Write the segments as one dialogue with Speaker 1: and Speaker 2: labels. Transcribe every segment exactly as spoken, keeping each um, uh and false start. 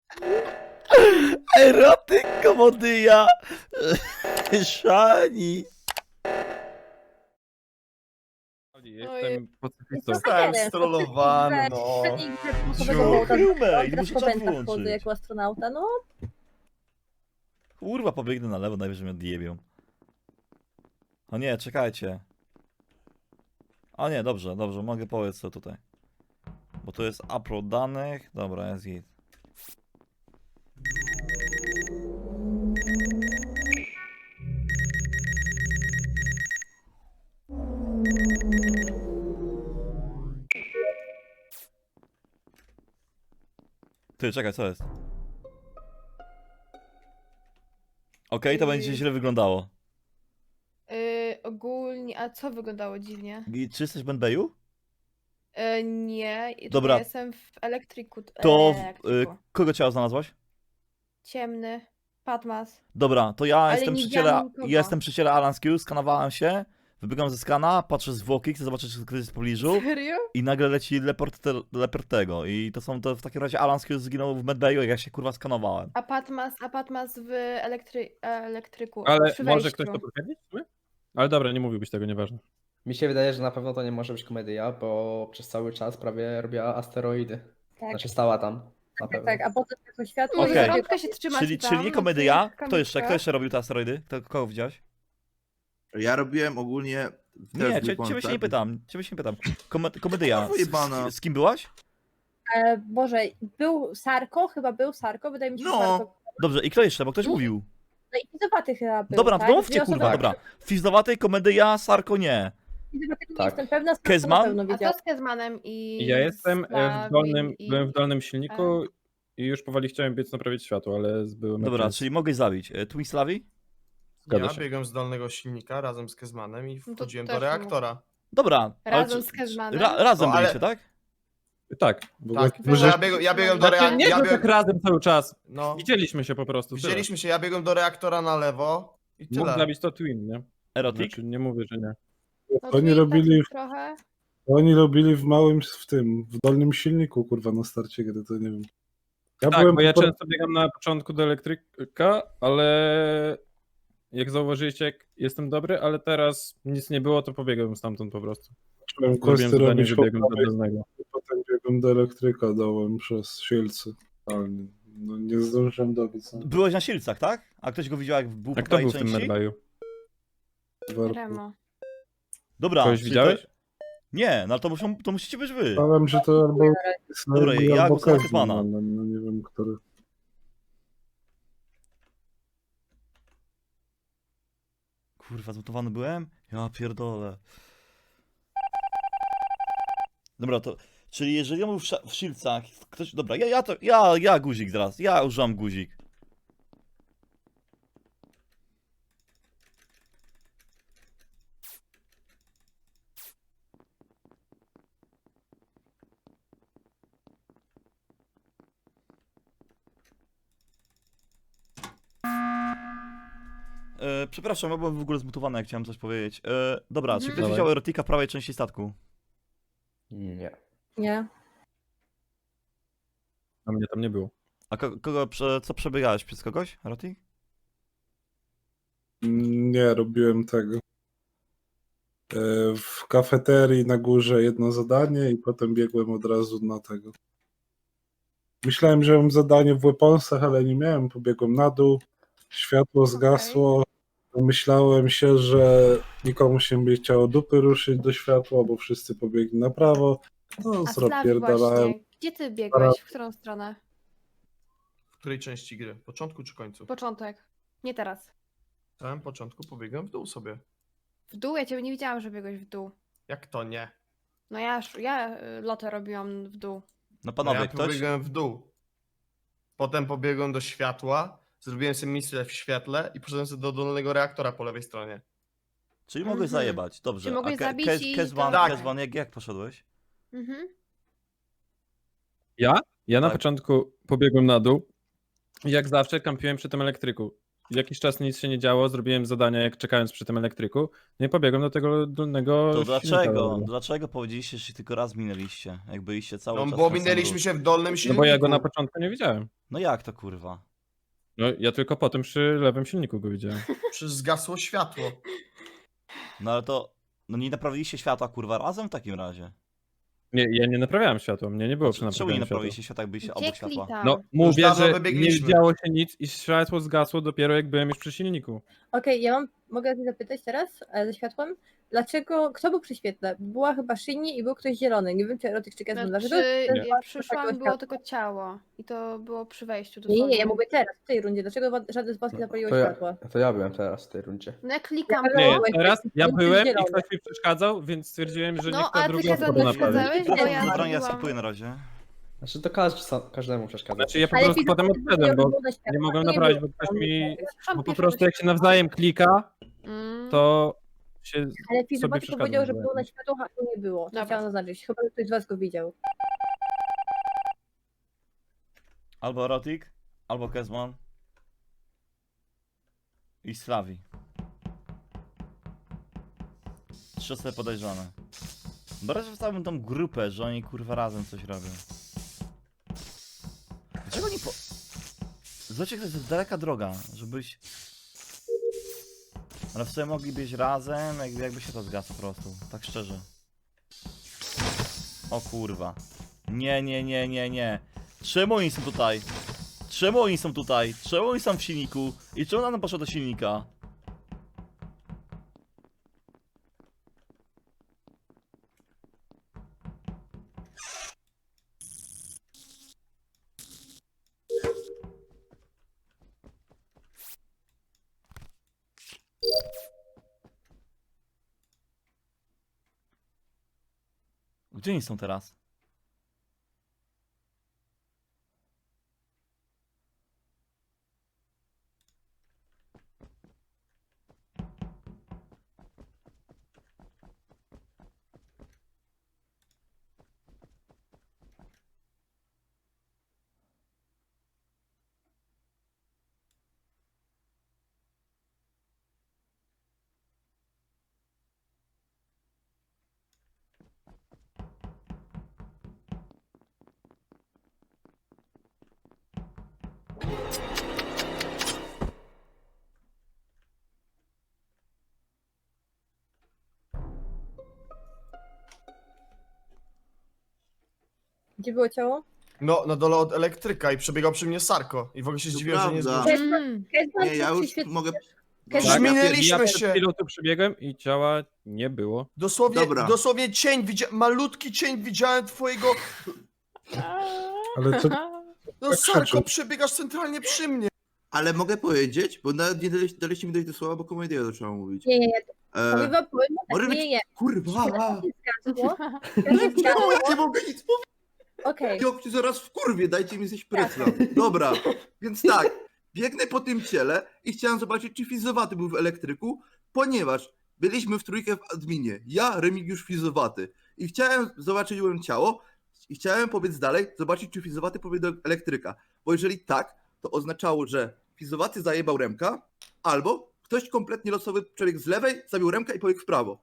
Speaker 1: Erotyk komodyja! Szani!
Speaker 2: Jestem pacyfistą.
Speaker 3: Zostałem strollowany, no.
Speaker 1: Crewmate, muszę czat
Speaker 4: chodzę
Speaker 1: wyłączyć.
Speaker 4: jako astronauta, no.
Speaker 1: Kurwa, pobiegnę na lewo, najwyżej mnie odjebią. O nie, czekajcie. O nie, dobrze, dobrze, mogę powiedzieć co tutaj. Bo to jest upload danych. Dobra, jest git. Ty, czekaj, co jest? Okej, to będzie źle wyglądało.
Speaker 5: Yy, ogólnie, a co wyglądało dziwnie?
Speaker 1: I czy jesteś w Benbeju?
Speaker 5: Yy, nie,
Speaker 1: Dobra.
Speaker 5: Dobra. Jestem w elektryku.
Speaker 1: To
Speaker 5: e,
Speaker 1: y,
Speaker 5: elektryku.
Speaker 1: kogo ciało znalazłaś?
Speaker 5: Ciemny, Patmas.
Speaker 1: Dobra, to ja
Speaker 5: Ale
Speaker 1: jestem
Speaker 5: nie
Speaker 1: przy
Speaker 5: widziałam
Speaker 1: ciele,
Speaker 5: nikogo.
Speaker 1: ja jestem przy ciele Alan Q, skanowałem się, wybiegam ze skana, patrzę zwłoki, chcę zobaczyć, czy ktoś jest w pobliżu
Speaker 5: Serio?
Speaker 1: i nagle leci leport, te, leport tego i to są, to w takim razie Alan Q zginął w medbayu, jak ja się kurwa skanowałem.
Speaker 5: A Patmas, a Patmas w elektry, elektryku.
Speaker 2: Ale
Speaker 5: przy
Speaker 2: może
Speaker 5: wejściu.
Speaker 2: ktoś to potwierdzić? w sumie? Ale dobra, nie mówiłbyś tego, nieważne.
Speaker 3: Mi się wydaje, że na pewno to nie może być komedia, bo przez cały czas prawie robiła asteroidy.
Speaker 4: Tak,
Speaker 3: Znaczy stała tam, na
Speaker 4: tak,
Speaker 3: pewno.
Speaker 4: tak, a potem jako światło
Speaker 5: Może
Speaker 1: Okej.
Speaker 4: i
Speaker 5: zarąbka się trzyma
Speaker 1: Czyli,
Speaker 5: tam,
Speaker 1: czyli nie
Speaker 5: na
Speaker 1: komedia,
Speaker 5: tych
Speaker 1: kto jeszcze, kto
Speaker 5: kamyczkach.
Speaker 1: jeszcze robił te asteroidy? Kto, kogo widziałeś?
Speaker 6: Ja robiłem ogólnie...
Speaker 1: Nie, cie, ciebie się nie pytam, ciebie się nie pytam. Kome, komedia, z,
Speaker 6: Wyjebana.
Speaker 1: z, z kim byłaś?
Speaker 4: E, Boże, był Sarko, chyba był Sarko, wydaje mi się, że
Speaker 6: No.
Speaker 4: Sarko.
Speaker 1: Dobrze, i kto jeszcze, bo ktoś mówił.
Speaker 4: No i Fizowaty chyba był,
Speaker 1: Dobra,
Speaker 4: tak?
Speaker 1: to mówcie
Speaker 4: Dwie osoby-
Speaker 1: kurwa, dobra. Fizdowatej, komedia, Sarko nie.
Speaker 4: Fizowatego nie
Speaker 3: Tak.
Speaker 4: jestem pewna, Sarko
Speaker 1: Kezman?
Speaker 4: na pewno
Speaker 5: A co
Speaker 4: widział.
Speaker 5: z Kezmanem i...
Speaker 2: Ja jestem e, w
Speaker 5: Slawim
Speaker 2: dolnym,
Speaker 5: i...
Speaker 2: byłem w dolnym silniku i już powoli chciałem biec naprawić światło, ale byłem
Speaker 1: Dobra,
Speaker 2: jakimś-
Speaker 1: czyli mogę zabić. E, Twin Slavi?
Speaker 2: Zgadza
Speaker 7: Ja
Speaker 2: się.
Speaker 7: biegłem z dolnego silnika razem z Kezmanem i
Speaker 5: to
Speaker 7: wchodziłem
Speaker 5: też
Speaker 7: do
Speaker 5: nie
Speaker 7: reaktora.
Speaker 1: Dobra. ale
Speaker 5: Razem
Speaker 1: czy-
Speaker 5: z Kezmanem?
Speaker 1: Ra, razem
Speaker 7: No, ale-
Speaker 1: byliście, tak?
Speaker 2: Tak, w ogóle...
Speaker 7: Tak,
Speaker 5: Może-
Speaker 7: ja, bieg, ja biegłem do
Speaker 5: Znaczy,
Speaker 7: reaktora.
Speaker 2: nie,
Speaker 7: Ja
Speaker 2: że
Speaker 7: bieg...
Speaker 2: tak razem cały czas.
Speaker 7: No,
Speaker 2: Widzieliśmy się po prostu. tyle.
Speaker 7: widzieliśmy się, ja biegłem do reaktora na lewo i
Speaker 2: Mógł
Speaker 7: tyle.
Speaker 2: zabić to Twin, nie?
Speaker 1: Erotik?
Speaker 2: Znaczy, nie mówię, że nie.
Speaker 5: No,
Speaker 8: Oni
Speaker 5: Twin
Speaker 8: robili,
Speaker 5: taki trochę...
Speaker 8: oni robili w małym, w tym, w dolnym silniku, kurwa, na starcie gry, to nie wiem. Ja
Speaker 2: Tak,
Speaker 8: byłem
Speaker 2: bo ja
Speaker 8: po-
Speaker 2: często biegam na początku do elektryka, ale jak zauważyliście, jak jestem dobry, ale teraz nic nie było, to pobiegłem stamtąd po prostu.
Speaker 8: Zacząłem
Speaker 2: Zrobiłem
Speaker 8: questy
Speaker 2: zadanie,
Speaker 8: robić po
Speaker 2: wybiegłem do
Speaker 8: prawej,
Speaker 2: dolnego.
Speaker 8: potem biegłem do elektryka, dałem przez Shieldsy, ale nie, no, nie zdążyłem dobić. No,
Speaker 1: Byłeś na Silcach, tak? A ktoś go widział jak był
Speaker 2: A
Speaker 1: po
Speaker 2: kto
Speaker 1: prawej
Speaker 2: był w tym
Speaker 1: części?
Speaker 2: medbayu?
Speaker 8: warto.
Speaker 5: Remo.
Speaker 1: Dobra.
Speaker 2: Kogoś
Speaker 1: czyli
Speaker 2: widziałeś?
Speaker 1: To... Nie, no to, muszą, to musicie być wy.
Speaker 8: Myślałem, że to albo
Speaker 1: Dobra,
Speaker 8: Slavi,
Speaker 1: ja
Speaker 8: albo
Speaker 1: głosuję na
Speaker 8: Kezman,
Speaker 1: Kezmana.
Speaker 8: ale no nie wiem, który.
Speaker 1: Kurwa, zmutowany byłem? Ja pierdolę. Dobra, to... Czyli jeżeli on był w, sz- w Silcach, ktoś... Dobra, ja, ja to... Ja, ja guzik zaraz. Ja używam guzik. E, przepraszam, ja byłem w ogóle zmutowany, jak chciałem coś powiedzieć. E, dobra, czy
Speaker 5: Mhm.
Speaker 1: ktoś
Speaker 2: Dawaj.
Speaker 1: widział erotika w prawej części statku?
Speaker 3: Nie.
Speaker 4: Nie.
Speaker 2: A mnie tam nie było.
Speaker 1: A ko kogo, prze co przebiegałeś? Przez kogoś, erotik?
Speaker 8: Nie, robiłem tego. E, W kafeterii na górze jedno zadanie i potem biegłem od razu na tego. Myślałem, że mam zadanie w weaponsach, ale nie miałem. Pobiegłem na dół, światło zgasło. Myślałem się, że nikomu się nie chciało dupy ruszyć do światła, bo wszyscy pobiegli na prawo. No,
Speaker 5: A Slavi
Speaker 8: zrobierdalałem.
Speaker 5: właśnie, gdzie ty biegłeś? W którą stronę?
Speaker 7: W której części gry? Początku czy końcu?
Speaker 5: Początek. Nie teraz.
Speaker 7: W samym początku pobiegłem w dół sobie.
Speaker 5: W dół? Ja ciebie nie widziałam, że biegłeś w dół.
Speaker 7: Jak to nie?
Speaker 5: No ja, sz- ja y, lotę robiłam w dół.
Speaker 1: No
Speaker 7: No
Speaker 1: panowie,
Speaker 7: ja
Speaker 1: ktoś?
Speaker 7: pobiegłem w dół. Potem pobiegłem do światła, zrobiłem sobie misję w świetle i poszedłem sobie do dolnego reaktora po lewej stronie.
Speaker 1: Czyli mogłeś
Speaker 5: Mhm.
Speaker 1: zajebać, dobrze.
Speaker 5: Czy mogłeś
Speaker 1: A Ke-
Speaker 5: zabić
Speaker 1: Kez-
Speaker 5: i
Speaker 1: Kezban,
Speaker 5: to-
Speaker 7: Tak.
Speaker 1: Kezban, jak, jak poszedłeś?
Speaker 5: Mhm.
Speaker 2: Ja? Ja na
Speaker 1: Tak.
Speaker 2: początku pobiegłem na dół i jak zawsze kampiłem przy tym elektryku. Jakiś czas nic się nie działo, zrobiłem zadania jak czekając przy tym elektryku, no i pobiegłem do tego dolnego
Speaker 1: To
Speaker 2: silnika.
Speaker 1: dlaczego? Dlaczego powiedzieliście, że się tylko raz minęliście? Jak byliście cały
Speaker 7: No
Speaker 1: czas
Speaker 7: bo
Speaker 1: na
Speaker 7: minęliśmy
Speaker 1: samym
Speaker 7: się w dolnym
Speaker 2: No
Speaker 7: silniku.
Speaker 2: bo ja go na początku nie widziałem.
Speaker 1: No jak to kurwa?
Speaker 2: No ja tylko potem przy lewym silniku go widziałem.
Speaker 7: Przecież zgasło światło.
Speaker 1: No ale to... No nie naprawiliście światła kurwa razem w takim razie?
Speaker 2: Nie, ja nie naprawiałem światła, mnie nie było przy
Speaker 1: Czemu nie
Speaker 2: naprawianiu światła.
Speaker 1: naprawiliście światła, jak byliście obok
Speaker 5: Gdzie
Speaker 1: światła?
Speaker 5: klikam?
Speaker 2: No mówię,
Speaker 7: dawno
Speaker 2: że nie
Speaker 7: wybiegliśmy.
Speaker 2: widziało się nic i światło zgasło dopiero jak byłem już przy silniku.
Speaker 4: Okej, ja mam, mogę cię zapytać teraz e, ze światłem, dlaczego, kto był przy świetle? Była chyba Szyni i był ktoś zielony, nie wiem czy Erotyk czy Kezman, dlaczego?
Speaker 5: Znaczy,
Speaker 4: ten
Speaker 2: Nie.
Speaker 4: was
Speaker 5: przyszłam,
Speaker 4: takiego
Speaker 5: było
Speaker 4: światła?
Speaker 5: tylko ciało. I to było przy wejściu do
Speaker 4: Nie, nie, nie, ja
Speaker 5: sądu.
Speaker 4: mówię teraz, w tej rundzie, dlaczego wa- żaden z was nie zapaliło
Speaker 3: To ja,
Speaker 4: światła?
Speaker 3: to ja byłem teraz w tej rundzie.
Speaker 5: No ja klikam.
Speaker 4: Ja
Speaker 2: Nie,
Speaker 4: byłeś
Speaker 2: teraz
Speaker 4: taki
Speaker 2: ja
Speaker 4: piękny
Speaker 2: byłem i
Speaker 4: zielony.
Speaker 2: ktoś mi przeszkadzał, więc stwierdziłem, że
Speaker 5: No,
Speaker 2: niech
Speaker 5: a
Speaker 2: ta
Speaker 5: ty
Speaker 2: druga
Speaker 5: się
Speaker 2: osoba naprawi.
Speaker 5: przeszkadzałeś, bo ja
Speaker 1: Dobra, ja
Speaker 5: zrobiłam...
Speaker 1: skipuję na razie.
Speaker 3: Znaczy to każdy, sam- każdemu przeszkadza.
Speaker 2: Znaczy ja po
Speaker 4: Ale
Speaker 2: prostu
Speaker 4: Fizu
Speaker 2: potem
Speaker 4: powiedział,
Speaker 2: odszedłem,
Speaker 4: że
Speaker 2: bo
Speaker 4: było na światła,
Speaker 2: nie mogłem
Speaker 4: to
Speaker 2: naprawić, bo
Speaker 4: było
Speaker 2: ktoś
Speaker 4: tam
Speaker 2: mi...
Speaker 4: nic.
Speaker 5: Przyszłam
Speaker 2: Bo po
Speaker 5: pierwsza
Speaker 2: prostu
Speaker 5: do
Speaker 2: jak się
Speaker 5: światła.
Speaker 2: nawzajem klika,
Speaker 5: Mm.
Speaker 2: to się
Speaker 4: Ale Fizu
Speaker 2: sobie
Speaker 4: Baty
Speaker 2: przeszkadza.
Speaker 4: powiedział, że było
Speaker 2: nawzajem.
Speaker 4: na światło, a tu nie było. To
Speaker 5: Dobra.
Speaker 4: chciałam zaznaczyć, chyba ktoś z was go widział.
Speaker 1: Albo Erotik, albo Kezman. I Slavi. Trzy osoby podejrzane. Dobra, że wstałbym tą grupę, że oni kurwa razem coś robią. Dlaczego nie po... Zobaczcie, to jest daleka droga, żebyś... Ale w sumie mogli być razem, jakby, jakby się to zgasło po prostu, tak szczerze. O kurwa. Nie, nie, nie, nie, nie. Czemu oni są tutaj? Czemu oni są tutaj? Czemu oni są w silniku? I czemu ona poszła do silnika? Gdzie oni są teraz?
Speaker 4: Gdzie było ciało?
Speaker 7: No, na dole od elektryka i przebiegał przy mnie Sarko. I w ogóle się
Speaker 6: To
Speaker 7: zdziwiłem, że nie
Speaker 6: prawda.
Speaker 7: zgłosił.
Speaker 5: Mm.
Speaker 4: Kezban
Speaker 6: Nie, ja
Speaker 4: czy
Speaker 6: już
Speaker 4: przyświetl-
Speaker 6: mogę...
Speaker 4: Kezban-
Speaker 2: Tak,
Speaker 7: Minęliśmy
Speaker 2: ja
Speaker 7: się.
Speaker 2: przed chwilą tu przybiegłem i ciała nie było.
Speaker 7: Dosłownie,
Speaker 6: Dobra.
Speaker 7: dosłownie cień, widzia... malutki cień widziałem twojego...
Speaker 8: Ale co,
Speaker 7: No
Speaker 8: Tak
Speaker 7: Sarko,
Speaker 8: krzyczy.
Speaker 7: przebiegasz centralnie przy mnie.
Speaker 6: Ale mogę powiedzieć, bo nawet nie daliście, daliście mi dojść do słowa, bo komedia zaczęła mówić.
Speaker 4: Nie, nie, nie,
Speaker 6: E,
Speaker 4: powiem wam, powiem wam
Speaker 6: może
Speaker 4: tak,
Speaker 6: być-
Speaker 4: nie, nie,
Speaker 6: kurwa!
Speaker 4: światło się zgasło, światło się
Speaker 6: Czemu
Speaker 4: zgasło,
Speaker 6: ja nie mogę nic powiedzieć?
Speaker 4: okej,
Speaker 6: Ja cię zaraz w kurwie, dajcie mi zjeść prycla. Dobra, więc tak, biegnę po tym ciele i chciałem zobaczyć, czy Fizowaty był w elektryku, ponieważ byliśmy w trójkę w adminie. Ja, Remigiusz, Fizowaty. I chciałem zobaczyć, byłem ciało i chciałem pobiec dalej, zobaczyć, czy Fizowaty pobiegł do elektryka. Bo jeżeli tak, to oznaczało, że Fizowaty zajebał Remka, albo ktoś kompletnie losowy przebiegł z lewej, zabił Remka i pobiegł w prawo.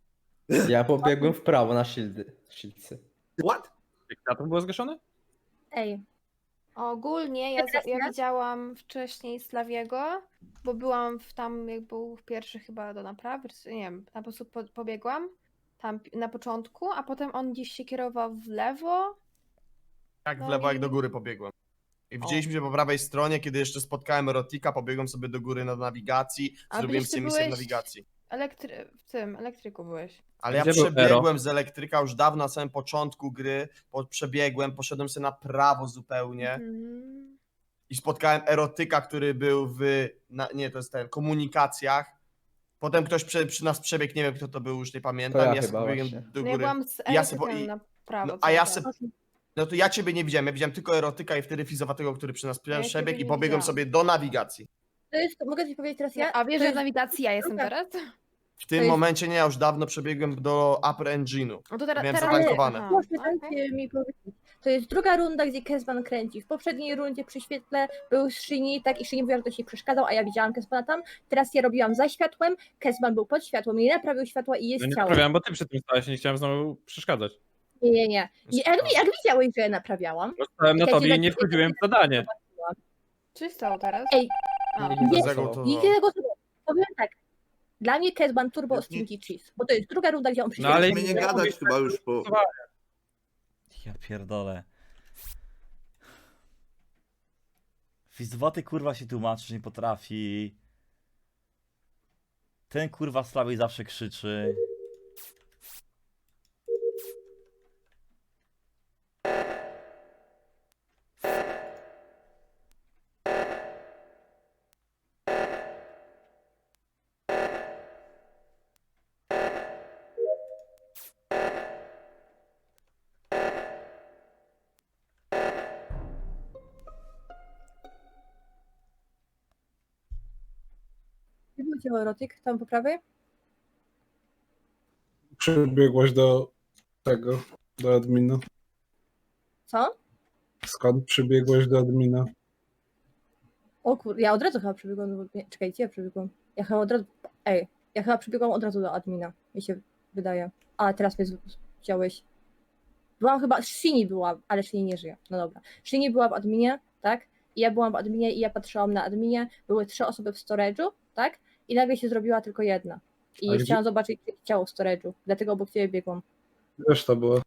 Speaker 3: Ja pobiegłem w prawo na shieldy. Shieldcy.
Speaker 6: What?
Speaker 2: Jak światło było zgaszone?
Speaker 4: ej,
Speaker 5: Ogólnie ja, za, ja
Speaker 4: Teraz?
Speaker 5: widziałam wcześniej Slawiego, bo byłam w tam, jak był pierwszy chyba do naprawy, czy nie wiem, na po prostu po, pobiegłam tam pi- na początku, a potem on gdzieś się kierował w lewo.
Speaker 7: Tak, w
Speaker 5: No
Speaker 7: lewo
Speaker 5: i-
Speaker 7: jak do góry pobiegłem. I widzieliśmy się po prawej stronie, kiedy jeszcze spotkałem Erotika, pobiegłem sobie do góry na nawigacji,
Speaker 5: A
Speaker 7: zrobiłem
Speaker 5: byś ty
Speaker 7: sobie misję w
Speaker 5: byłeś-
Speaker 7: nawigacji.
Speaker 5: Elektry... W tym, elektryku byłeś.
Speaker 7: Ale ja
Speaker 2: Gdzie był
Speaker 7: przebiegłem z elektryka już dawno na samym początku gry, po, przebiegłem, poszedłem sobie na prawo zupełnie
Speaker 5: Mhm.
Speaker 7: i spotkałem Erotyka, który był w, na, nie to jest ten, komunikacjach. Potem ktoś przy, przy nas przebiegł, nie wiem kto to był, już nie pamiętam,
Speaker 3: To ja
Speaker 7: ja
Speaker 3: chyba
Speaker 7: sobie pobiegłem
Speaker 3: właśnie.
Speaker 7: do
Speaker 5: No ja
Speaker 7: góry.
Speaker 5: byłam z
Speaker 7: Ja se po-
Speaker 5: elektrykiem
Speaker 7: i-
Speaker 5: na prawo.
Speaker 7: No, a
Speaker 5: cały
Speaker 7: ja
Speaker 5: czas.
Speaker 7: se, no to ja ciebie nie widziałem, ja widziałem tylko Erotyka i wtedy Fizowatego, który przy nas
Speaker 5: ja ciebie
Speaker 7: przebiegł i
Speaker 5: nie
Speaker 7: pobiegłem
Speaker 5: widziałam.
Speaker 7: sobie do nawigacji.
Speaker 4: to jest, mogę ci powiedzieć teraz ja?
Speaker 5: A wiesz,
Speaker 4: To
Speaker 5: że w
Speaker 4: jest-
Speaker 5: nawigacji ja jestem
Speaker 4: druga-
Speaker 5: teraz?
Speaker 7: W tym
Speaker 4: jest-
Speaker 7: momencie nie, ja już dawno przebiegłem do Upper Engine'u.
Speaker 5: No to teraz,
Speaker 7: Miałem
Speaker 5: teraz...
Speaker 7: zatankowane.
Speaker 5: Aha,
Speaker 4: Proszę,
Speaker 5: okej.
Speaker 4: dajcie mi powiedzieć. To jest druga runda, gdzie Kezban kręci. W poprzedniej rundzie przy świetle był Szyni, tak, i Szyni mówiła, że ktoś jej przeszkadzał, a ja widziałam Kezbana tam. Teraz ja robiłam za światłem, Kezban był pod światłem, nie naprawił światła i jest
Speaker 2: No nie
Speaker 4: ciało.
Speaker 2: naprawiałem, bo ty przy tym stałeś i nie chciałem znowu przeszkadzać.
Speaker 4: Nie, nie, nie. I jak, jak widziałeś, że ja naprawiałam?
Speaker 2: No stałem na
Speaker 4: Ja
Speaker 2: tobie
Speaker 4: cię
Speaker 2: i nie
Speaker 4: tak-
Speaker 2: wchodziłem w zadanie.
Speaker 5: Co się stało teraz?
Speaker 4: Ej,
Speaker 5: A,
Speaker 3: Nie,
Speaker 4: nie,
Speaker 3: nie
Speaker 7: Zagotował.
Speaker 4: nikt nie zagłosował. Powiem tak. Dla mnie Kezban Turbo
Speaker 6: Nie-
Speaker 4: Stinky Cheese, bo to jest druga runda, gdzie on
Speaker 2: No ale
Speaker 6: Mieliśmy nie gadać chyba już po...
Speaker 1: Ja pierdolę. Fizdowaty kurwa się tłumaczyć nie potrafi. Ten kurwa z prawej zawsze krzyczy.
Speaker 4: Nie było cię erotyk tam po prawej?
Speaker 8: Przybiegłaś do tego, do admina.
Speaker 4: Co?
Speaker 8: Skąd przybiegłaś do admina?
Speaker 4: O kur... ja od razu chyba przebiegłam, do... nie, czekajcie, ja przebiegłam. Ja chyba od razu, ej, ja chyba przebiegłam od razu do admina, mi się wydaje. A, teraz mnie z- wziąłeś. Byłam chyba, Shini była, ale Shini nie żyje, no dobra. Shini była w adminie, tak? I ja byłam w adminie i ja patrzyłam na adminie, były trzy osoby w storage'u, tak? I nagle się zrobiła tylko jedna. I
Speaker 8: A gdzie-
Speaker 4: chciałam zobaczyć ciało w storage'u, dlatego obok ciebie biegłam.
Speaker 8: Wiesz, to było.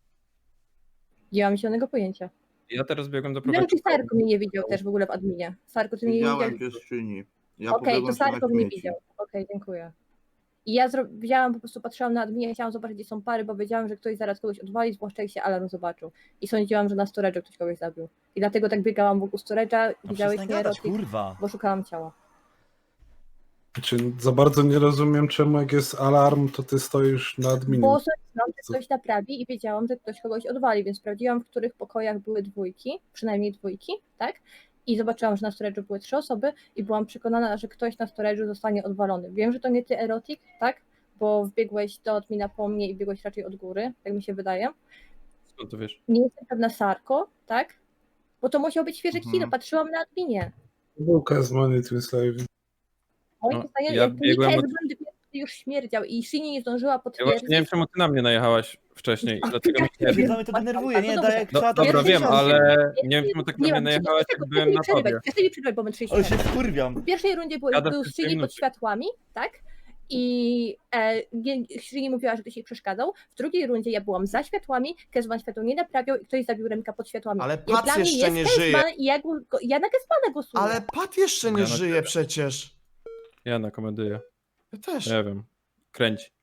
Speaker 4: Nie mam zielonego pojęcia.
Speaker 2: Ja teraz biegłem do
Speaker 4: Nie wiem, czy
Speaker 2: prowadzącego.
Speaker 4: Sarko mnie nie widział też w ogóle w adminie. Sarko, ty mnie nie
Speaker 6: Widziałem
Speaker 4: widziałeś?
Speaker 6: piestrzyni. Ja
Speaker 4: Okej, to
Speaker 6: pobiegłem trzymać
Speaker 4: Sarko mnie
Speaker 6: śmieci.
Speaker 4: widział. Okej, dziękuję. I ja zro... widziałam, po prostu patrzyłam na adminie, chciałam zobaczyć, gdzie są pary, bo wiedziałam, że ktoś zaraz kogoś odwali, zwłaszcza jak się alarm zobaczył. I sądziłam, że na storage'u ktoś kogoś zabił. I dlatego tak biegałam wokół storage'a,
Speaker 1: No
Speaker 4: widziałeś
Speaker 1: przestań
Speaker 4: mnie
Speaker 1: gadać,
Speaker 4: erotyk,
Speaker 1: kurwa.
Speaker 4: bo szukałam ciała.
Speaker 8: Znaczy, za bardzo nie rozumiem, czemu jak jest alarm, to ty stoisz na adminie.
Speaker 4: Bo sądziłam, że ktoś naprawi i wiedziałam, że ktoś kogoś odwali, więc sprawdziłam, w których pokojach były dwójki, przynajmniej dwójki, tak? I zobaczyłam, że na storage'u były trzy osoby i byłam przekonana, że ktoś na storage'u zostanie odwalony. Wiem, że to nie ty, erotyk, tak? Bo wbiegłeś do admina po mnie i biegłeś raczej od góry, tak mi się wydaje.
Speaker 2: Skąd to wiesz?
Speaker 4: Nie jestem pewna, Sarko, tak? Bo to musiał być świeży
Speaker 6: Mhm.
Speaker 4: kill, patrzyłam na adminie.
Speaker 8: Był Kazman i Twin Slave.
Speaker 4: Moim
Speaker 2: No,
Speaker 4: zdaniem,
Speaker 2: ja
Speaker 4: jak
Speaker 2: biegłem
Speaker 4: Mika
Speaker 2: od-
Speaker 4: już śmierdział i Shini nie zdążyła
Speaker 2: Ja
Speaker 4: potwierdzić.
Speaker 2: właśnie nie wiem, czemu ty na mnie najechałaś wcześniej. i Dlatego mi się...
Speaker 1: Pierdolę, mnie to denerwuje, nie? Daj jak
Speaker 2: No,
Speaker 1: trzeba, to
Speaker 2: dobra,
Speaker 1: jak
Speaker 2: wiem,
Speaker 1: trzeba.
Speaker 2: ale nie wiem, czemu tak na mnie
Speaker 4: mam
Speaker 2: najechałaś, jak
Speaker 4: czego,
Speaker 2: byłem
Speaker 4: czego
Speaker 2: na
Speaker 4: mi przerywać.
Speaker 2: tobie.
Speaker 4: Ja sobie przerywać, bo my trzydzieści
Speaker 1: Ale się
Speaker 4: minut.
Speaker 1: wkurwiam.
Speaker 4: W pierwszej rundzie był,
Speaker 2: Jadę
Speaker 4: był
Speaker 2: przez
Speaker 4: Shini
Speaker 2: minuty.
Speaker 4: pod światłami, tak? I e, nie- Shini mówiła, że ktoś jej przeszkadzał. W drugiej rundzie ja byłam za światłami, Kezban światło nie naprawiał i ktoś zabił Remka pod światłami.
Speaker 7: Ale
Speaker 4: Jak
Speaker 7: Pat
Speaker 4: dla mnie
Speaker 7: jeszcze
Speaker 4: jest
Speaker 7: nie
Speaker 4: Kezban
Speaker 7: żyje.
Speaker 4: i ja, go, ja na Kezbana głosuję.
Speaker 7: Ale Pat jeszcze nie
Speaker 2: Ja na
Speaker 7: żyje
Speaker 2: ciebie.
Speaker 7: przecież.
Speaker 2: Ja na komedyję.
Speaker 7: Ja też.
Speaker 2: Nie wiem. Kręć.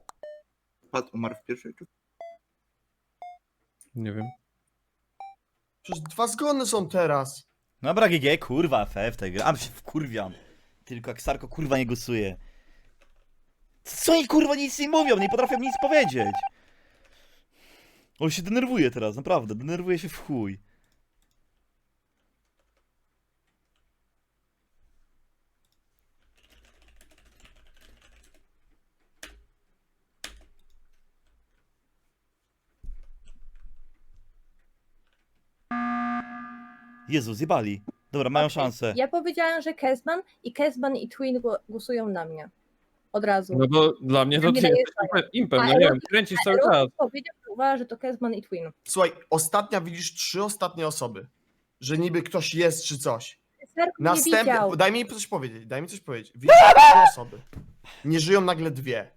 Speaker 6: Pat umarł w pierwszej czy...
Speaker 2: Nie wiem.
Speaker 7: Przecież dwa zgony są teraz.
Speaker 1: Dobra, G G, kurwa, F F tej gry. A się wkurwiam. Tylko jak Sarko kurwa nie głosuje. Co oni kurwa nic nie mówią, nie potrafią nic powiedzieć. On się denerwuje teraz, naprawdę, denerwuje się w chuj. Jezu, zjebali. Dobra, mają
Speaker 4: Okej,
Speaker 1: szansę.
Speaker 4: Ja powiedziałam, że Kezban i Kezban i Twin gło- głosują na mnie. Od razu.
Speaker 2: No bo dla mnie to
Speaker 4: Nie
Speaker 2: ty
Speaker 4: daje
Speaker 2: jesteś impem, impem,
Speaker 4: A
Speaker 2: no nie wiem,
Speaker 4: Erotyk-
Speaker 2: kręcisz
Speaker 4: A
Speaker 2: cały czas.
Speaker 4: Erotyk powiedział, że uważa, że to Kezban i Twin.
Speaker 7: Słuchaj, ostatnia widzisz trzy ostatnie osoby. Że niby ktoś jest czy coś.
Speaker 4: Sarko nie
Speaker 7: Następne.
Speaker 4: widział.
Speaker 7: Daj mi coś powiedzieć, daj mi coś powiedzieć. Widzisz trzy osoby. Nie żyją nagle dwie.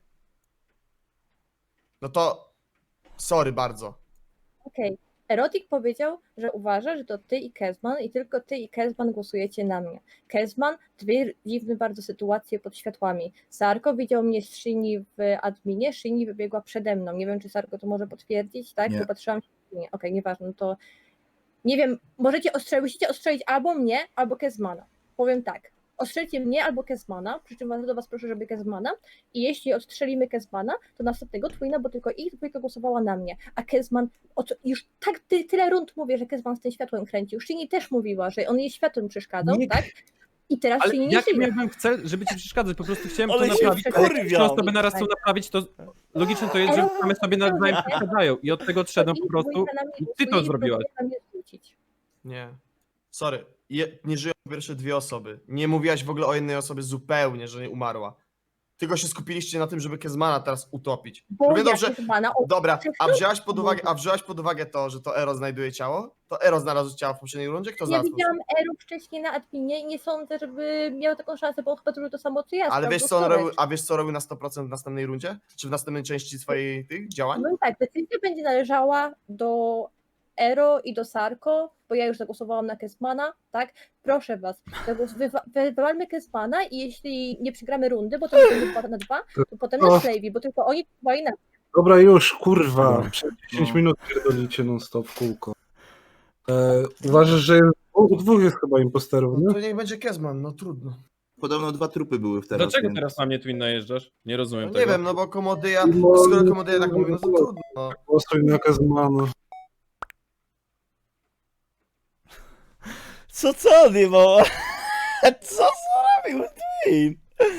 Speaker 7: No to. Sorry bardzo.
Speaker 4: Okej. Erotik powiedział, że uważa, że to ty i Kezban i tylko ty i Kezban głosujecie na mnie. Kezban, dwie dziwne bardzo sytuacje pod światłami. Sarko widział mnie z Shini w adminie, Shini wybiegła przede mną. Nie wiem, czy Sarko to może potwierdzić, tak?
Speaker 6: Nie.
Speaker 4: Bo patrzyłam się w adminie. Okej, nieważne, no to nie wiem, możecie ostrzelić, musicie ostrzelić albo mnie, albo Kezmana. Powiem tak. Ostrzelcie mnie albo Kezmana, przy czym bardzo do was proszę, żeby Kezmana. I jeśli odstrzelimy Kezmana, to następnego Twina, bo tylko ich dwójka głosowała na mnie. A Kezman, od, już tak ty, tyle rund mówię, że Kezman z tym światłem kręcił. Shini też mówiła, że on jej światłem przeszkadzał,
Speaker 2: Nie-
Speaker 4: tak? I teraz
Speaker 2: Ale
Speaker 4: Shini nie
Speaker 2: jaki
Speaker 4: żyje.
Speaker 2: miałbym chcę, żeby ci przeszkadzać? Po prostu chciałem
Speaker 1: Ale
Speaker 2: to
Speaker 1: się
Speaker 2: naprawić.
Speaker 4: wkurwiam.
Speaker 2: Ale trzy osoby naraz chcą naprawić, to logiczne to jest, że
Speaker 4: Ale-
Speaker 2: same sobie nawzajem przeszkadzają. I od tego odszedłem po
Speaker 4: Ich
Speaker 2: prostu.
Speaker 4: dwójka na mnie
Speaker 2: i ty to
Speaker 4: głosuje i
Speaker 2: zrobiłaś.
Speaker 4: próbuje na mnie zwrócić.
Speaker 7: Nie. Sorry. Je, nie żyją pierwsze dwie osoby. Nie mówiłaś w ogóle o jednej osobie zupełnie, że nie umarła. tylko się skupiliście na tym, żeby Kezmana teraz utopić.
Speaker 4: Bo
Speaker 7: Równie
Speaker 4: ja
Speaker 7: dobrze,
Speaker 4: Kezbana o-
Speaker 7: dobra, a
Speaker 4: Przecież-
Speaker 7: wziąłaś pod uwagę, a wziąłaś pod uwagę to, że to Ero znajduje ciało? To Ero znalazł ciało w poprzedniej rundzie? Kto
Speaker 4: Ja
Speaker 7: znalazł?
Speaker 4: widziałam Eru wcześniej na adminie i nie sądzę, żeby miał taką szansę, bo on chyba zrobił to samo co ja.
Speaker 7: Ale
Speaker 4: sprawdzał
Speaker 7: wiesz co on
Speaker 4: storage.
Speaker 7: robił, a wiesz co robił na sto procent w następnej rundzie? Czy w następnej części swojej tych działań?
Speaker 4: No i tak, decyzja będzie należała do Ero i do Sarko, bo ja już zagłosowałam na Kezmana, tak? Proszę was, zagłos- wywa- wy- wywalmy Kezmana i jeśli nie przegramy rundy, bo to będzie dwa na dwa, to potem na
Speaker 8: Och.
Speaker 4: Slavey, bo tylko oni głosowali na
Speaker 8: Dobra, już, kurwa.
Speaker 1: No.
Speaker 8: Przez dziesięć
Speaker 6: No.
Speaker 8: minut pierdolicie non stop w kółko. E, uważasz, że jest, u dwóch jest chyba imposterów,
Speaker 7: No
Speaker 8: nie?
Speaker 7: to niech będzie Kezman, no trudno.
Speaker 6: Podobno dwa trupy były w teraz.
Speaker 2: Dlaczego
Speaker 6: więc-
Speaker 2: teraz na mnie Twin najeżdżasz? Nie
Speaker 7: No
Speaker 2: rozumiem
Speaker 7: nie
Speaker 2: tego.
Speaker 7: wiem, no bo Komodyja,
Speaker 8: No,
Speaker 7: skoro
Speaker 8: no,
Speaker 7: Komodyja tak
Speaker 8: no,
Speaker 7: mówi, no to
Speaker 8: no.
Speaker 7: trudno. No.
Speaker 8: Głosuj na Kezmana.
Speaker 1: Co co on jebał? Co zrobił Twin?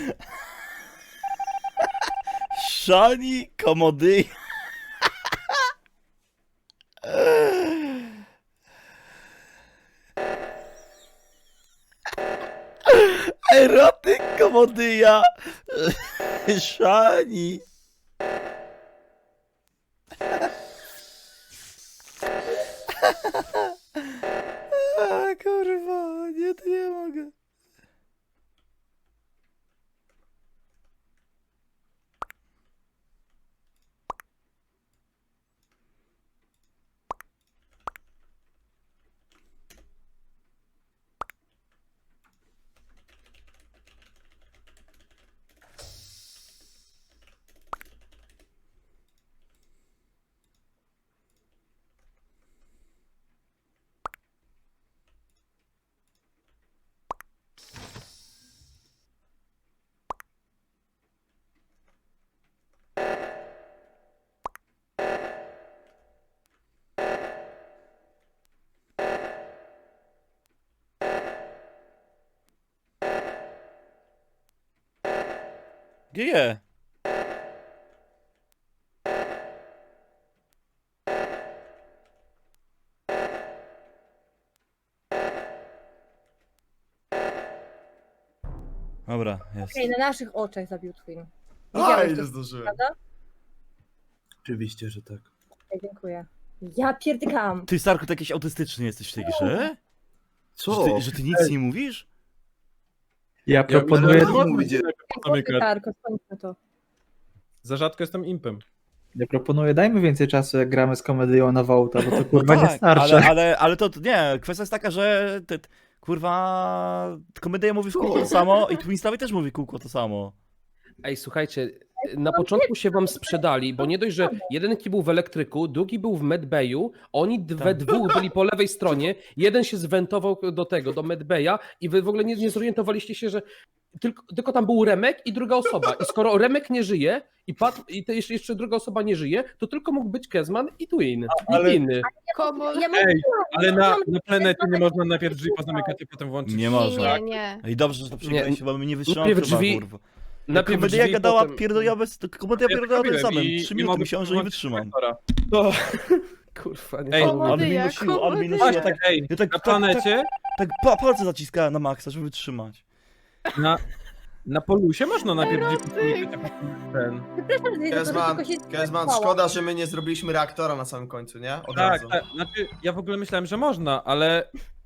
Speaker 1: Shani komody. Erotyk komodyja. Shani. A, kurwa, nie, to nie mogę. Gdzie je? Dobra, jest.
Speaker 4: Okej, na naszych oczach zabił Twin.
Speaker 7: A,
Speaker 4: Widziałeś
Speaker 7: nie
Speaker 4: to,
Speaker 7: zdążyłem.
Speaker 4: prawda?
Speaker 6: Oczywiście, że tak.
Speaker 4: Okej, dziękuję. Ja pierdykam.
Speaker 1: Ty, Sarko, ty jakiś autystyczny jesteś w tej grze?
Speaker 6: Co?
Speaker 1: Że ty, że ty nic nie mówisz?
Speaker 3: Ja
Speaker 6: proponuję-
Speaker 3: proponuję,
Speaker 6: mówicie?
Speaker 4: Dziękuję, Tarko, skończmy to.
Speaker 2: Za rzadko jestem impem.
Speaker 3: ja proponuję, dajmy więcej czasu, jak gramy z komedią na Wołta, bo to kurwa nie
Speaker 1: tak,
Speaker 3: starczy.
Speaker 1: ale, ale, ale to nie, kwestia jest taka, że ty, ty, kurwa, komedia mówi w kółko to samo i Twinstawi też mówi w kółko to samo.
Speaker 9: Ej, słuchajcie, na początku się wam sprzedali, bo nie dość, że jeden był w elektryku, drugi był w medbayu, oni d- we dwóch byli po lewej stronie, jeden się zwentował do tego, do medbaya i wy w ogóle nie, nie zorientowaliście się, że tylko, tylko tam był Remek i druga osoba. I skoro Remek nie żyje i, Pat, i te jeszcze, jeszcze druga osoba nie żyje, to tylko mógł być Kezman i Twin.
Speaker 2: ale-
Speaker 9: Nikt inny.
Speaker 5: Komo...
Speaker 4: Ja
Speaker 2: Ej, ale na,
Speaker 4: mówiłam,
Speaker 2: na planecie nie można najpierw drzwi pozamykać, a potem włączyć.
Speaker 1: Nie
Speaker 5: Nie,
Speaker 1: można.
Speaker 5: nie, nie.
Speaker 1: I dobrze, że to przegraliście, bo my nie wytrzymamy
Speaker 9: najpierw
Speaker 1: chyba,
Speaker 9: drzwi-
Speaker 1: kurwa.
Speaker 9: Najpierw
Speaker 1: Komedia
Speaker 9: drzwi,
Speaker 1: gadała
Speaker 9: potem-
Speaker 1: pierdoliowe, komedia
Speaker 2: Ja
Speaker 1: pierdoliowe
Speaker 2: robiłem
Speaker 1: samym.
Speaker 2: i-
Speaker 1: Trzy
Speaker 2: i
Speaker 1: minuty
Speaker 2: mogę
Speaker 1: myślałem, że nie
Speaker 2: włączyć
Speaker 1: wytrzymam.
Speaker 2: reflektora.
Speaker 9: No. Kurwa, nie
Speaker 2: Ej,
Speaker 9: mogę.
Speaker 1: Ale mi
Speaker 5: Komedia,
Speaker 1: nosiło, ale mi
Speaker 5: komedia.
Speaker 1: nosiło tak,
Speaker 2: Ej,
Speaker 1: ja tak,
Speaker 2: na
Speaker 1: tak, tak,
Speaker 2: planecie,
Speaker 1: tak pa, palce zaciskałem na maksa, żeby wytrzymać.
Speaker 2: na, na polusie można najpierw drzwi pozamykać, a potem ten.
Speaker 4: Przepraszam, że to
Speaker 7: Kezman,
Speaker 4: tylko się
Speaker 7: Kezman,
Speaker 4: zdenerwowało.
Speaker 7: szkoda, że my nie zrobiliśmy reaktora na samym końcu, nie? Od
Speaker 2: Tak,
Speaker 7: razu.
Speaker 2: tak. Znaczy, ja w ogóle myślałem, że można, ale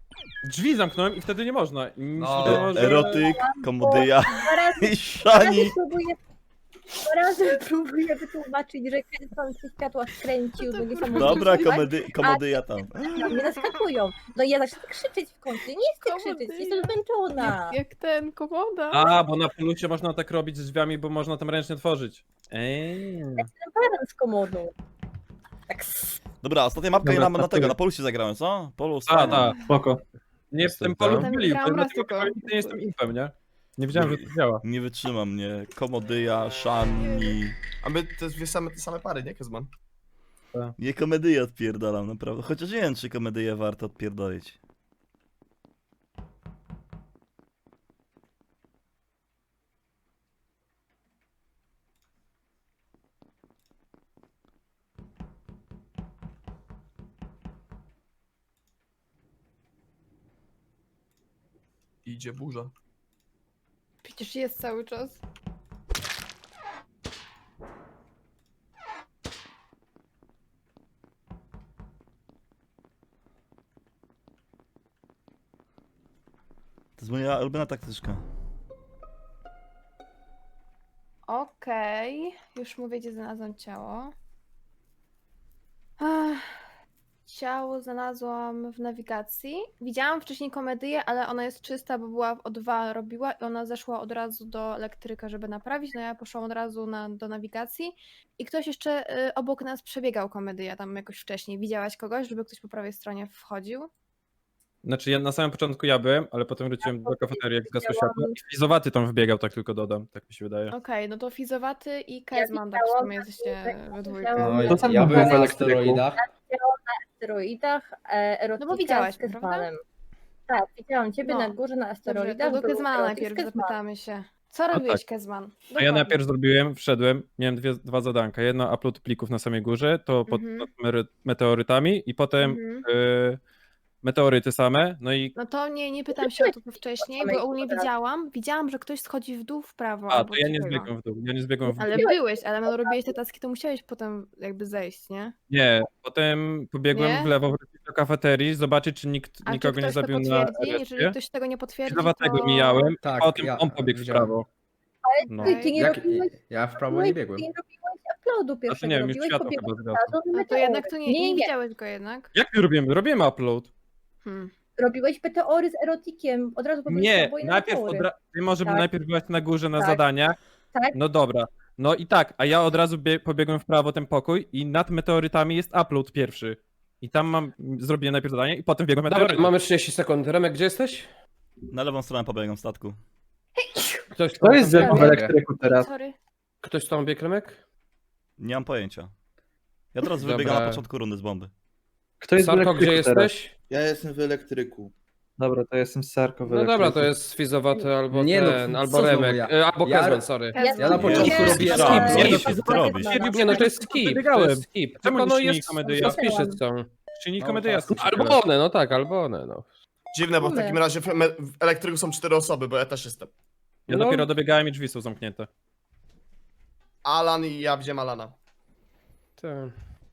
Speaker 2: drzwi zamknąłem i wtedy nie można. I mi się
Speaker 7: No.
Speaker 2: wydawało, że...
Speaker 1: Erotyk, komedia
Speaker 4: Dwa razy,
Speaker 1: i
Speaker 4: dwa razy
Speaker 1: Shani.
Speaker 4: próbuję, dwa razy próbuję wytłumaczyć, że Kezban się światła skręcił do niesamowitego.
Speaker 1: Dobra, komedy, komedia tam.
Speaker 4: Na mnie naskakują. No i ja zacznę krzyczeć w końcu. Nie chcę
Speaker 5: Komedia.
Speaker 4: krzyczeć, jestem zmęczona.
Speaker 5: Jak, jak ten komoda.
Speaker 2: A, bo na polusie można tak robić z drzwiami, bo można tam ręcznie tworzyć. Ej.
Speaker 4: Parę z komodą. Tak. s-
Speaker 1: Dobra, ostatnia mapka
Speaker 3: Dobra,
Speaker 1: ja na, na tego,
Speaker 3: startuję.
Speaker 1: na polusie zagrałem, co? Polus,
Speaker 2: A,
Speaker 1: fajnie.
Speaker 2: tak.
Speaker 3: Spoko.
Speaker 2: Nie w tym
Speaker 9: Jestem
Speaker 2: polu
Speaker 9: tam.
Speaker 2: byli,
Speaker 5: Gram
Speaker 2: bo
Speaker 5: raz
Speaker 2: dlatego
Speaker 5: tylko.
Speaker 2: chyba nie jestem impem, nie? Nie wiedziałem, że to działa.
Speaker 1: Nie wytrzyma mnie. Komedia, Shani.
Speaker 7: A my te dwie same, te same pary, nie, Kezman?
Speaker 1: Nie komedyję odpierdalam, naprawdę. Chociaż nie wiem, czy komedyję warto odpierdolić.
Speaker 7: Idzie burza.
Speaker 5: Przecież jest cały czas.
Speaker 1: jest moja ulubiona taktyczka.
Speaker 5: Okej, już mówię, gdzie znalazłam ciało. Ach, ciało znalazłam w nawigacji. Widziałam wcześniej komedię, ale ona jest czysta, bo była w O dwa robiła i ona zeszła od razu do elektryka, żeby naprawić. No ja poszłam od razu na, do nawigacji i ktoś jeszcze y, obok nas przebiegał komedię tam jakoś wcześniej. Widziałaś kogoś, żeby ktoś po prawej stronie wchodził?
Speaker 2: Znaczy ja na samym początku ja byłem, ale potem wróciłem do kafeterii, jak zgasło
Speaker 4: widziałam-
Speaker 2: światło. I Fizowaty tam wbiegał, tak tylko dodam, tak mi się wydaje.
Speaker 5: Okej, no to Fizowaty i Kezman, tak w
Speaker 4: widziałam,
Speaker 5: sumie jesteście we dwójkę.
Speaker 4: widziałam,
Speaker 3: No
Speaker 4: że-
Speaker 3: i
Speaker 10: To tam
Speaker 3: ja
Speaker 10: było
Speaker 3: byłem
Speaker 10: w
Speaker 3: na
Speaker 10: elektryku.
Speaker 3: asteroidach.
Speaker 4: asteroidach, e, erotyka
Speaker 5: No bo widziałaś
Speaker 4: z
Speaker 5: mnie, prawda?
Speaker 4: Kezmanem. Tak, widziałam ciebie
Speaker 5: No.
Speaker 4: na górze na
Speaker 5: Dobrze,
Speaker 4: asteroidach.
Speaker 5: to do
Speaker 4: był
Speaker 5: Kezmana
Speaker 4: erotyk z
Speaker 5: najpierw
Speaker 4: Kezmanem.
Speaker 5: zapytamy się. Co robiłeś,
Speaker 2: tak.
Speaker 5: Kezman?
Speaker 2: A ja
Speaker 5: Dokładnie.
Speaker 2: najpierw zrobiłem, wszedłem, miałem dwie, dwa zadanka. Jedno upload plików na samej górze, to pod,
Speaker 5: Mhm.
Speaker 2: pod mery- meteorytami i potem
Speaker 5: Mhm.
Speaker 2: y, meteoryty same, no i
Speaker 5: No to nie, nie pytam się o to wcześniej,
Speaker 4: samej
Speaker 5: bo ogólnie
Speaker 4: górze.
Speaker 5: widziałam, widziałam, że ktoś schodzi w dół w prawo.
Speaker 2: a,
Speaker 5: albo
Speaker 2: to ja nie
Speaker 5: coś takiego.
Speaker 2: zbiegłem w dół, ja nie zbiegłem w dół.
Speaker 5: Ale byłeś, ale no robiłeś te taski, to musiałeś potem jakby zejść, nie?
Speaker 2: Nie, potem pobiegłem
Speaker 5: Nie?
Speaker 2: w lewo wrócić do kafeterii, zobaczyć czy nikt
Speaker 5: A
Speaker 2: nikogo
Speaker 5: czy
Speaker 2: nie
Speaker 5: ktoś to
Speaker 2: zabił na
Speaker 5: potwierdzi? Jeżeli
Speaker 2: respie.
Speaker 5: ktoś tego nie potwierdzi,
Speaker 2: Fizowatego
Speaker 5: to...
Speaker 2: mijałem,
Speaker 3: Tak,
Speaker 2: a potem
Speaker 3: ja
Speaker 2: on pobiegł w
Speaker 3: widziałem.
Speaker 2: prawo. No.
Speaker 4: Ty, ty nie
Speaker 3: Jak,
Speaker 4: robiłeś,
Speaker 3: ja w prawo nie biegłem.
Speaker 4: ty nie robiłeś uploadu pierwszego,
Speaker 2: nie wiem, już
Speaker 4: robiłeś
Speaker 2: światło
Speaker 4: pobiegłeś
Speaker 2: chyba
Speaker 4: od razu na
Speaker 5: No to jednak to
Speaker 4: meteory.
Speaker 5: nie, nie,
Speaker 4: nie,
Speaker 5: widziałeś go jednak.
Speaker 2: Jak my robiłem? Robiłem upload.
Speaker 5: Hmm.
Speaker 4: Robiłeś meteory z erotikiem, od razu pobiegłeś
Speaker 2: Nie,
Speaker 4: oboje na
Speaker 2: najpierw
Speaker 4: meteory.
Speaker 2: odra- ty może
Speaker 4: Tak.
Speaker 2: najpierw byłaś na górze na
Speaker 4: Tak.
Speaker 2: zadaniach.
Speaker 4: Tak.
Speaker 2: No dobra. No i tak, a ja od razu bie- pobiegłem w prawo ten pokój i nad meteorytami jest upload pierwszy. I tam mam, zrobiłem najpierw zadanie i potem biegłem
Speaker 9: Dobra,
Speaker 2: meteoryty.
Speaker 9: mamy trzydzieści sekund. Remek, gdzie jesteś?
Speaker 1: Na lewą stronę pobiegam statku.
Speaker 9: Ktoś
Speaker 10: To jest
Speaker 9: tam
Speaker 10: ze mną w
Speaker 3: Dobra.
Speaker 10: elektryku teraz.
Speaker 5: Sorry.
Speaker 9: Ktoś tam biegł, Remek?
Speaker 1: Nie mam pojęcia. Ja teraz
Speaker 9: Dobra.
Speaker 1: wybiegam na początku rundy z bomby.
Speaker 10: Kto jest w
Speaker 9: Sarko,
Speaker 10: elektryku
Speaker 9: gdzie
Speaker 10: teraz?
Speaker 9: jesteś?
Speaker 6: Ja jestem w elektryku.
Speaker 10: Dobra, to jestem Sarko w
Speaker 9: No
Speaker 10: elektryku.
Speaker 9: dobra, to jest Fizowaty albo
Speaker 3: Nie no,
Speaker 9: ten,
Speaker 3: co
Speaker 9: albo
Speaker 3: znowu
Speaker 9: Remek.
Speaker 3: ja?
Speaker 9: E, Albo
Speaker 3: Ja-
Speaker 9: Kezman, sorry.
Speaker 5: Kezman.
Speaker 3: Ja na początku
Speaker 1: Nie,
Speaker 3: robiłem...
Speaker 1: skip,
Speaker 3: Nie,
Speaker 1: skip,
Speaker 3: nie,
Speaker 1: skip, co ty robisz?
Speaker 9: Nie no, to jest skip, to
Speaker 2: Wybiegałem.
Speaker 9: jest skip.
Speaker 2: Czemu
Speaker 9: Tylko
Speaker 2: nie
Speaker 9: no
Speaker 2: silnik
Speaker 9: jest,
Speaker 2: komedia?
Speaker 9: suspicious są.
Speaker 2: Czyli
Speaker 3: No,
Speaker 2: komedia
Speaker 3: tak.
Speaker 9: Albo one, no tak, albo one, no.
Speaker 7: Dziwne, bo w
Speaker 4: Kurde.
Speaker 7: takim razie w, me- w elektryku są cztery osoby, bo ja też jestem.
Speaker 2: Ja
Speaker 9: No.
Speaker 2: dopiero dobiegałem i drzwi są zamknięte.
Speaker 7: Alan i ja wziąłem Alana.
Speaker 9: Tak.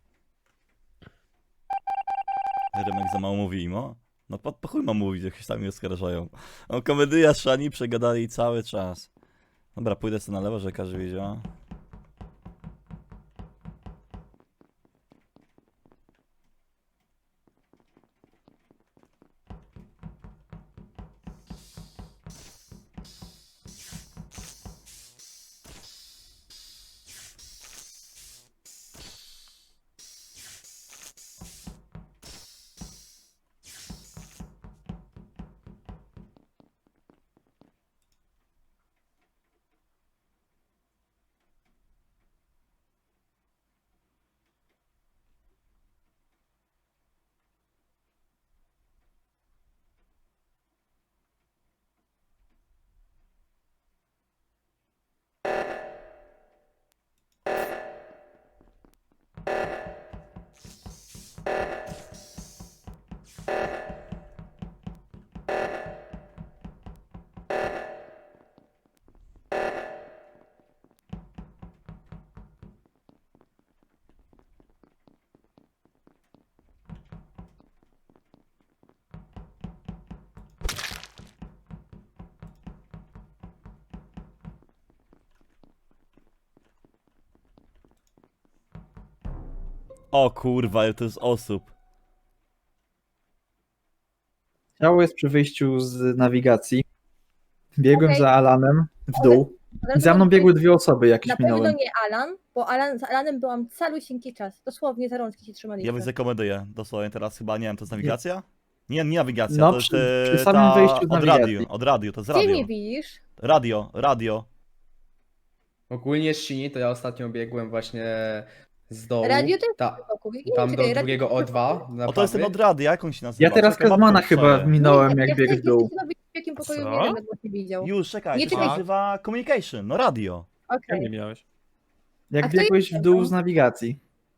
Speaker 1: Remek za mało mówi imo. No po, po chuj mam mówić, jak się sami oskarżają. No komedia Szani przegadali cały czas. Dobra, pójdę sobie na lewo, że każdy wiedział. O kurwa, ile to jest osób.
Speaker 10: Ciało jest przy wyjściu z nawigacji. Biegłem
Speaker 4: Okej.
Speaker 10: za Alanem w dół.
Speaker 4: Od razu
Speaker 10: Za mną
Speaker 4: mam
Speaker 10: biegły dwie osoby, jakieś
Speaker 4: Na pewno
Speaker 10: minąłem.
Speaker 4: nie Alan, bo Alan, z Alanem byłam calusieńki czas. Dosłownie za rączki się trzymaliśmy.
Speaker 1: Ja widzę komedię, dosłownie teraz chyba, nie wiem, to jest nawigacja? Nie, nie nawigacja,
Speaker 10: No,
Speaker 1: to jest
Speaker 10: przy-
Speaker 1: e,
Speaker 10: przy samym
Speaker 1: ta
Speaker 10: wyjściu z
Speaker 1: od
Speaker 10: nawigacji.
Speaker 1: radiu, od radiu, to jest
Speaker 4: Gdzie
Speaker 1: radio.
Speaker 4: mnie widzisz?
Speaker 1: Radio, radio.
Speaker 3: Ogólnie z Shini to ja ostatnio biegłem właśnie z dołu.
Speaker 4: Radio to jest
Speaker 3: Ta,
Speaker 4: wokół. Nie,
Speaker 3: tam
Speaker 4: czekaj,
Speaker 3: do
Speaker 4: radio
Speaker 3: drugiego
Speaker 4: to
Speaker 3: O
Speaker 4: jest
Speaker 3: dwa.
Speaker 4: wokół.
Speaker 3: na
Speaker 1: O, to jest ten
Speaker 3: prawy.
Speaker 1: od radia, jak on się nazywa?
Speaker 10: Ja teraz
Speaker 1: Czekaj,
Speaker 10: Kezmana
Speaker 1: babka,
Speaker 10: chyba
Speaker 1: sorry.
Speaker 10: minąłem,
Speaker 4: Nie,
Speaker 10: jak
Speaker 4: ja
Speaker 10: biegł w
Speaker 4: chcę
Speaker 10: dół.
Speaker 4: znowu w jakim pokoju
Speaker 2: Co?
Speaker 4: mnie Remek właśnie widział.
Speaker 1: Już, czekaj,
Speaker 4: Nie,
Speaker 1: to się
Speaker 4: czekaj.
Speaker 1: nazywa communication, no radio.
Speaker 2: Jak
Speaker 4: Okej.
Speaker 2: nie miałeś?
Speaker 4: A
Speaker 10: Jak
Speaker 4: kto
Speaker 10: biegłeś
Speaker 4: jest
Speaker 10: w dół
Speaker 4: Kezman?
Speaker 10: z nawigacji.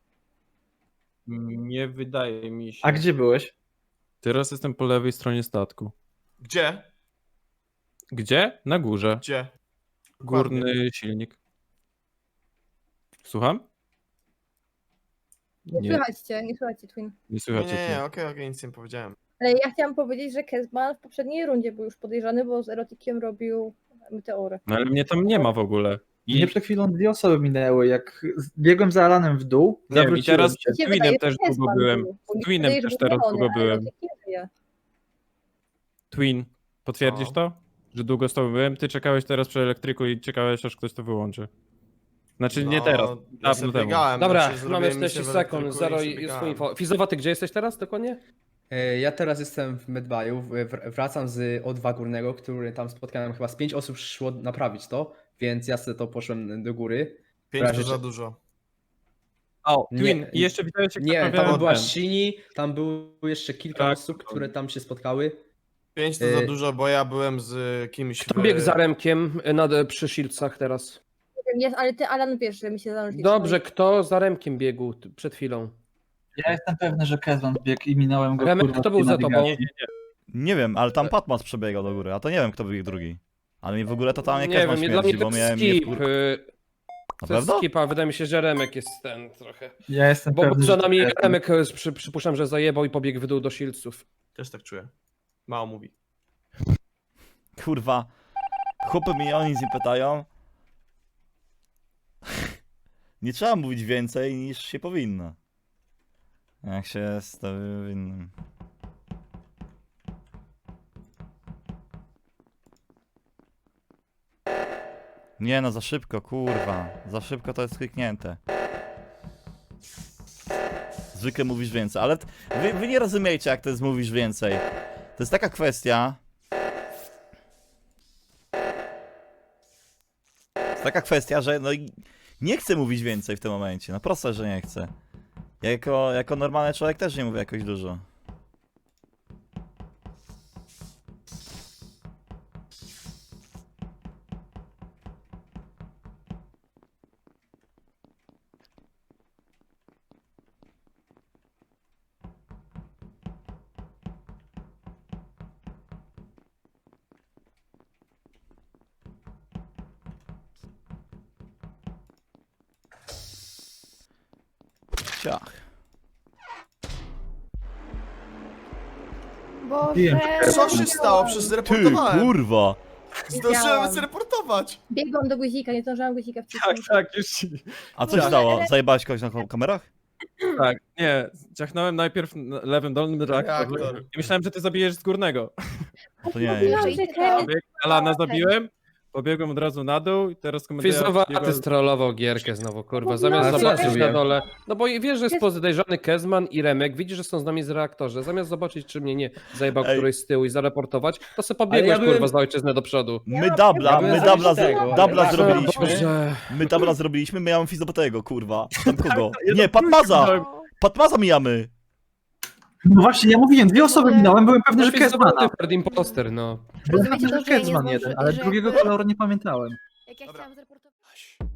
Speaker 2: Nie wydaje mi się.
Speaker 10: A gdzie byłeś?
Speaker 2: Teraz jestem po lewej stronie statku.
Speaker 7: Gdzie?
Speaker 2: Gdzie? Na górze.
Speaker 7: Gdzie?
Speaker 2: Górny silnik. Słucham?
Speaker 4: Nie
Speaker 2: Nie,
Speaker 4: słychać cię, nie słychać cię, Twin.
Speaker 2: nie
Speaker 7: Nie,
Speaker 2: słychać
Speaker 7: nie, nie,
Speaker 2: cię.
Speaker 7: okej, okej, nic nie powiedziałem.
Speaker 4: Ale ja chciałam powiedzieć, że Kezban w poprzedniej rundzie był już podejrzany, bo z erotykiem robił meteory.
Speaker 2: No ale mnie tam nie ma w ogóle. I,
Speaker 10: Mnie przed chwilą dwie osoby minęły, jak biegłem za Alanem w dół,
Speaker 2: nie wiem, i
Speaker 10: zawróciłem
Speaker 2: teraz
Speaker 10: się.
Speaker 2: z
Speaker 4: Mi się
Speaker 2: Twinem
Speaker 4: wydaje,
Speaker 2: też
Speaker 4: że
Speaker 2: długo
Speaker 4: Kezban
Speaker 2: byłem.
Speaker 4: był, bo mi
Speaker 2: Z
Speaker 4: się
Speaker 2: Twinem
Speaker 4: wydaje, że
Speaker 2: też
Speaker 4: był
Speaker 2: teraz
Speaker 4: zielony,
Speaker 2: długo
Speaker 4: a
Speaker 2: byłem.
Speaker 4: erotyk nie żyje.
Speaker 2: Twin, potwierdzisz
Speaker 7: Co?
Speaker 2: to? Że długo z tobą byłem? Ty czekałeś teraz przy elektryku i czekałeś, aż ktoś to wyłączy. Znaczy nie
Speaker 7: No,
Speaker 2: teraz,
Speaker 7: ja
Speaker 2: dawno
Speaker 7: sobie
Speaker 2: temu.
Speaker 7: biegałem,
Speaker 9: Dobra,
Speaker 7: znaczy,
Speaker 9: mamy
Speaker 7: zrobiłem
Speaker 9: czterdzieści
Speaker 7: misję w
Speaker 9: sekund,
Speaker 7: elektryku
Speaker 9: zero
Speaker 7: i
Speaker 9: jest
Speaker 7: przebiegałem.
Speaker 9: info. Fizowaty, gdzie jesteś teraz dokładnie?
Speaker 3: E, Ja teraz jestem w Medbayu, w- wr- wracam z O dwa Górnego, który tam spotkałem, chyba z pięć osób szło naprawić to, więc ja sobie to poszłem do góry.
Speaker 7: Pięć
Speaker 3: razie
Speaker 7: to za
Speaker 3: czy-
Speaker 7: dużo.
Speaker 2: O,
Speaker 3: Nie,
Speaker 2: Twin, i jeszcze widziałeś jak
Speaker 3: Nie,
Speaker 2: naprawiałem
Speaker 3: tam była
Speaker 2: ten.
Speaker 3: Shini, tam było jeszcze kilka
Speaker 2: Tak,
Speaker 3: osób,
Speaker 2: to-
Speaker 3: które tam się spotkały.
Speaker 7: Pięć to
Speaker 3: Y-
Speaker 7: za dużo, bo ja byłem z kimś
Speaker 9: Kto
Speaker 7: w...
Speaker 9: biegł za Remkiem nad, przy Shieldsach teraz?
Speaker 4: Nie wiem, Jest, ale ty, Alan, wiesz, że mi się zanurzyli.
Speaker 9: Dobrze, kto za Remkiem biegł t- przed chwilą?
Speaker 10: Ja jestem pewny, że Kezban biegł i minąłem go.
Speaker 9: Remek,
Speaker 10: kurwa,
Speaker 9: kto
Speaker 10: w
Speaker 9: był
Speaker 10: tej
Speaker 9: za tobą?
Speaker 10: nawigacji.
Speaker 1: Nie wiem, ale tam Patmas przebiegał do góry, a to nie wiem, kto był drugi. Ale mi w ogóle totalnie
Speaker 9: Nie
Speaker 1: Kezban
Speaker 9: wiem, dla mnie
Speaker 1: śmierdzi,
Speaker 9: to
Speaker 1: bo
Speaker 9: jest
Speaker 1: miałem mnie
Speaker 9: skip.
Speaker 1: wkur...
Speaker 9: y,
Speaker 1: Na
Speaker 9: To jest
Speaker 1: pewno?
Speaker 9: skip, a wydaje mi się, że Remek jest ten trochę.
Speaker 10: Ja jestem
Speaker 9: Bo, bo
Speaker 10: pewny,
Speaker 9: za
Speaker 10: że
Speaker 9: nami
Speaker 10: Kezban.
Speaker 9: Remek y, przy, przypuszczam, że zajebał i pobiegł w dół do Shieldsów.
Speaker 7: Też tak czuję. Mało mówi.
Speaker 1: Kurwa. Chłopy mnie o nic nie pytają. Nie trzeba mówić więcej niż się powinno. Jak się jest to winnym. Nie no, za szybko, kurwa. Za szybko to jest kliknięte. Zwykle mówisz więcej, ale t- wy, wy nie rozumiecie, jak to jest mówisz więcej. To jest taka kwestia. To jest taka kwestia, że no i nie chcę mówić więcej w tym momencie. No proste, że nie chcę. Ja jako, jako normalny człowiek też nie mówię jakoś dużo. Ciach.
Speaker 5: Boże.
Speaker 7: Co się stało? Przecież
Speaker 1: Ty,
Speaker 7: zreportowałem.
Speaker 1: kurwa!
Speaker 7: Zdążyłem
Speaker 4: Widziałam.
Speaker 7: zreportować.
Speaker 4: Biegłam do guzika, nie zdążyłam guzika
Speaker 2: Tak,
Speaker 4: wcisnąć.
Speaker 2: tak, już ci.
Speaker 1: A co się stało? Zajebałeś kogoś na ko- kamerach?
Speaker 2: Tak, nie, ciachnąłem najpierw na lewym dolnym reaktor
Speaker 7: Reaktor.
Speaker 2: i myślałem, że ty zabijesz z górnego.
Speaker 1: A to nie, nie.
Speaker 4: Mówiłam, że Kezban
Speaker 2: Pobieg, Alana zabiłem, pobiegłem od razu na dół i teraz komentarz.
Speaker 9: Fizowaty strollował gierkę znowu, kurwa,
Speaker 4: No,
Speaker 9: zamiast
Speaker 3: no,
Speaker 9: zobaczyć
Speaker 3: co ja
Speaker 9: na
Speaker 3: zrobiłem?
Speaker 9: dole. No bo wiesz, że jest podejrzany Kezman i Remek, widzi, że są z nami z reaktorze. Zamiast zobaczyć, czy mnie nie zajebał
Speaker 1: Ej.
Speaker 9: któryś z tyłu i zareportować, to se pobiegłeś,
Speaker 3: ja byłem-
Speaker 9: kurwa, za ojczyznę do przodu.
Speaker 1: My dubla,
Speaker 3: Ja byłem
Speaker 1: my dubla,
Speaker 3: zabić tego,
Speaker 1: z, dubla
Speaker 3: ale-
Speaker 1: zrobiliśmy.
Speaker 9: Boże.
Speaker 1: My dubla zrobiliśmy, my mamy Fizopatego, kurwa. Tam kogo? Nie, Patmaza! Patmaza mijamy!
Speaker 10: No właśnie, ja mówiłem, dwie osoby minąłem, byłem pewny, że Kezbana.
Speaker 9: Fizowaty Third Imposter, no.
Speaker 10: Byłem
Speaker 5: Rozumiecie
Speaker 10: pewny,
Speaker 5: to,
Speaker 10: że
Speaker 5: że ja nie
Speaker 10: Kezban jeden,
Speaker 5: zdąży-
Speaker 10: ale
Speaker 5: że
Speaker 10: drugiego
Speaker 5: jakby-
Speaker 10: koloru nie pamiętałem.
Speaker 5: Jak ja
Speaker 7: Dobra.
Speaker 5: chciałam zreportować.